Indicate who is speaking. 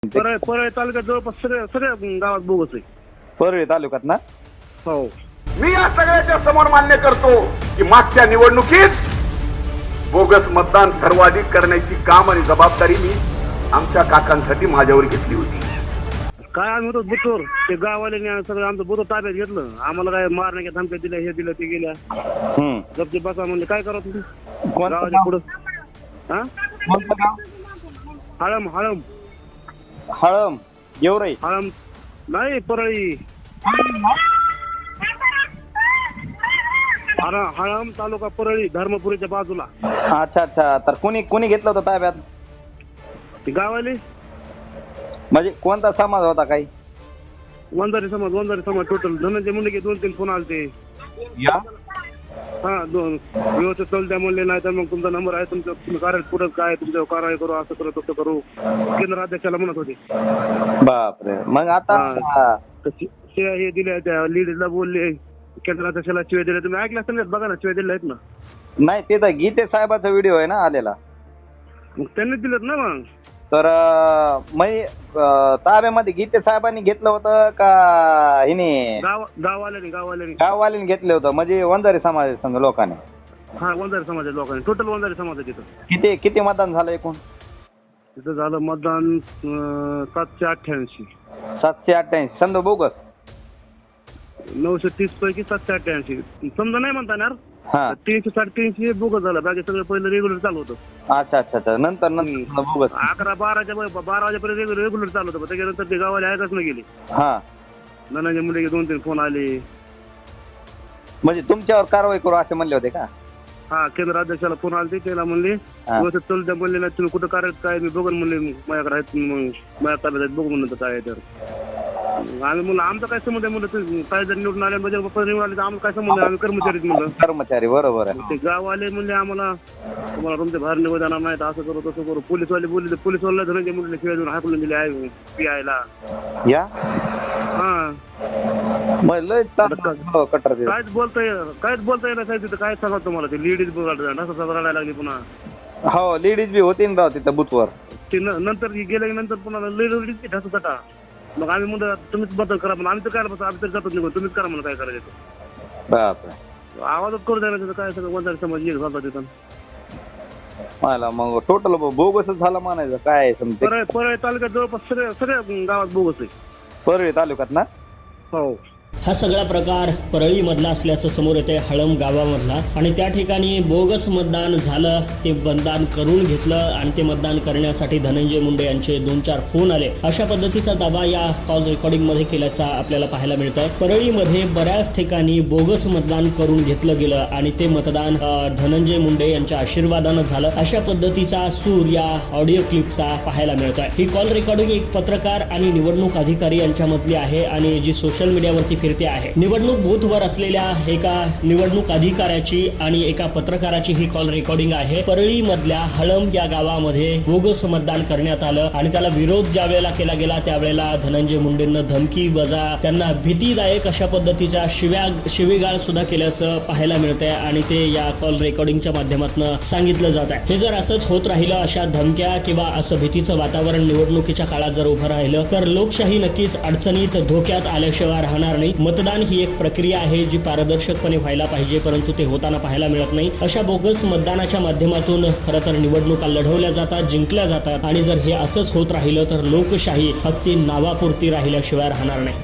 Speaker 1: परळी तालुक्यात जवळपास सगळ्या गावात बोगस आहे.
Speaker 2: परळी तालुक्यात ना?
Speaker 1: हो.
Speaker 3: मी या सगळ्याच्या समोर मान्य करतो की मागच्या निवडणुकीत बोगस मतदान सर्वाधिक करण्याची काम आणि जबाबदारी मी आमच्या काकांसाठी माझ्यावर घेतली होती.
Speaker 1: काय आम्ही होतो बुथवर, ते गाववाल्यांनी सगळं आमचं बुथ ताब्यात घेतलं. आम्हाला काय मारण्याच्या धमक्या दिल्या, हे दिलं ते गेल्या. गपचे बसा म्हणले, काय करा तुम्ही गावाच्या पुढं. हा, हळम हळम
Speaker 2: हळम गेवराई
Speaker 1: हळम नाही, परळी. हळम तालुका परळी, धर्मपुरीच्या बाजूला.
Speaker 2: अच्छा अच्छा. तर कोणी घेतलं होतं ताब्यात?
Speaker 1: ते गावाले
Speaker 2: म्हणजे कोणता समाज होता? काही
Speaker 1: वंजारी समाज टोटल. धनंजय मुंडे 2-3 फोन आलते.
Speaker 2: या
Speaker 1: हा, व्यवस्थित चालू द्या म्हणले, नाही तर मग तुमचा नंबर आहे, तुमचं तुम्ही कार्य पुढं काय तुमच्यावर कारवाई करू, असं करू तसं करू. केंद्र अध्यक्षाला म्हणत होते.
Speaker 2: बापरे. मग आता
Speaker 1: शिवाय हे दिल्या, त्या लेडीजला बोलले, केंद्र अध्यक्षाला शिवाय दिल्या. तुम्ही ऐकलं असेल ना, बघा ना, शिवाय दिल्या आहेत ना.
Speaker 2: नाही, ते तर गीते साहेबाचा व्हिडिओ आहे ना आलेला.
Speaker 1: मग त्यांनी दिलेत ना. मग
Speaker 2: तर ताब्यामध्ये गीते साहेबांनी घेतलं होतं का हिने गाववाल्यांनी घेतलं होतं? म्हणजे वंजारी समाज संघ लोकांनी.
Speaker 1: हा, वंजारी समाजाच्या लोकांनी, टोटल वंजारी समाज तिथं.
Speaker 2: किती मतदान झालं एकूण?
Speaker 1: तिथं झालं मतदान 788.
Speaker 2: 788. समजा बोगस
Speaker 1: 930 पैकी 788. समजा नाही म्हणता येणार.
Speaker 2: हा,
Speaker 1: 300-350 बोगस झालं. बाकी सगळं पहिलं रेग्युलर चालू होतं.
Speaker 2: अच्छा अच्छा अच्छा. नंतर बोगस
Speaker 1: 11-12 वाजेपर्यंत रेग्युलर चालू होतं. त्याच्यानंतर ते गावाला ऐकच नाही गेले.
Speaker 2: हा,
Speaker 1: धनंजय मुंडे 2-3 फोन आले.
Speaker 2: म्हणजे तुमच्यावर कारवाई करू असे म्हणले होते का?
Speaker 1: हा, केंद्र अध्यक्षाला फोन आले, त्याला म्हणले व्यवस्थित चालू द्या म्हणले, नाही तुम्ही कुठं करायचं काय, मी बघून म्हणले माझ्याकडे आहेत, मग माझ्या ताब्यात आहेत, बघू म्हणलं काय आहे. तर आम्ही म्हणलं आमचं काय संबंध आहे म्हणलं, काय जर निवडून आले म्हणजे निवडून आले तर आम्हाला काय संबंध आहे, आम्ही कर्मचारी म्हणलं.
Speaker 2: कर्मचारी बरोबर आहे.
Speaker 1: ते गाववाले म्हणले आम्हाला तुम्हाला तुमच्या बाहेर निघू देणार नाही, असं करू तसं करू. पोलीसवाले बोलले, पोलीसवाला धनंजय मुंडे शिवाय देऊन हाकलून दिले आहे पीआयला.
Speaker 2: या
Speaker 1: हा,
Speaker 2: कटर
Speaker 1: काहीच बोलता येणार साहेब तिथं. काय सांगा तुम्हाला, ते लेडीज बघायला असं रडायला लागली पुन्हा.
Speaker 2: हो, लेडीज बी होती ना राव तिथं बुथवर.
Speaker 1: ते नंतर गेल्यानंतर पुन्हा लेडीज ढासत. मग आम्ही म्हणतो तुम्हीच बदल करा म्हणून. आम्ही तर काय बस, आम्ही तर जातच निघून, तुम्हीच करा म्हणून काय करायचं.
Speaker 2: बापरे.
Speaker 1: आवाजच करू द्यायला तिथं. काय सगळं वंजारी समाज एक झाला तिथं.
Speaker 2: मला मग टोटल बोगसच झालं म्हणायचं. काय समजे
Speaker 1: परळी तालुक्यात जवळपास सगळ्या गावात बोगस आहे.
Speaker 2: परळी तालुक्यात ना?
Speaker 1: हो.
Speaker 4: हा सगळा प्रकार परळीमधला असल्याचं समोर येते, हळम गावामधला. आणि त्या ठिकाणी बोगस मतदान झालं, ते मतदान करून घेतलं आणि ते मतदान करण्यासाठी धनंजय मुंडे यांचे 2-4 फोन आले. अशा पद्धतीचा दावा या कॉल रेकॉर्डिंगमध्ये केल्याचा आपल्याला पाहायला मिळतं. परळीमध्ये बऱ्याच ठिकाणी बोगस मतदान करून घेतलं गेलं आणि ते मतदान धनंजय मुंडे यांच्या आशीर्वादानं झालं. अशा पद्धतीचा सूर या ऑडिओ क्लिपचा पाहायला मिळतोय. ही कॉल रेकॉर्डिंग एक पत्रकार आणि निवडणूक अधिकारी यांच्यामधली आहे आणि जी सोशल मीडियावरती फिरते आहे. निवडणूक बूथवर असलेल्या एका निवडणूक अधिकाऱ्याची आणि एका पत्रकाराची ही कॉल रेकॉर्डिंग आहे. परळी मधल्या हळम या गावामध्ये बोगस मतदान करण्यात आलं आणि त्याला विरोध ज्या वेळेला केला गेला त्यावेळेला धनंजय मुंडेंना धमकी वजा त्यांना भीतीदायक अशा पद्धतीच्या शिवीगाळ सुद्धा केल्याचं पाहायला मिळतंय आणि ते या कॉल रेकॉर्डिंगच्या माध्यमातून सांगितलं जात आहे. हे जर असंच होत राहिलं, अशा धमक्या किंवा असं भीतीचं वातावरण निवडणुकीच्या काळात जर उभं राहिलं तर लोकशाही नक्कीच अडचणीत धोक्यात आल्याशिवाय राहणार नाही. मतदान ही एक प्रक्रिया आहे जी पारदर्शकपणे व्हायला पाहिजे, परंतु ते होताना पाहायला मिळत नाही. अशा बोगस मतदानाच्या माध्यमातून खरं तर निवडणुका लढवल्या जातात, जिंकल्या जातात आणि जर हे असंच होत राहिलं तर लोकशाही फक्त नावापुरती राहिल्याशिवाय राहणार नाही.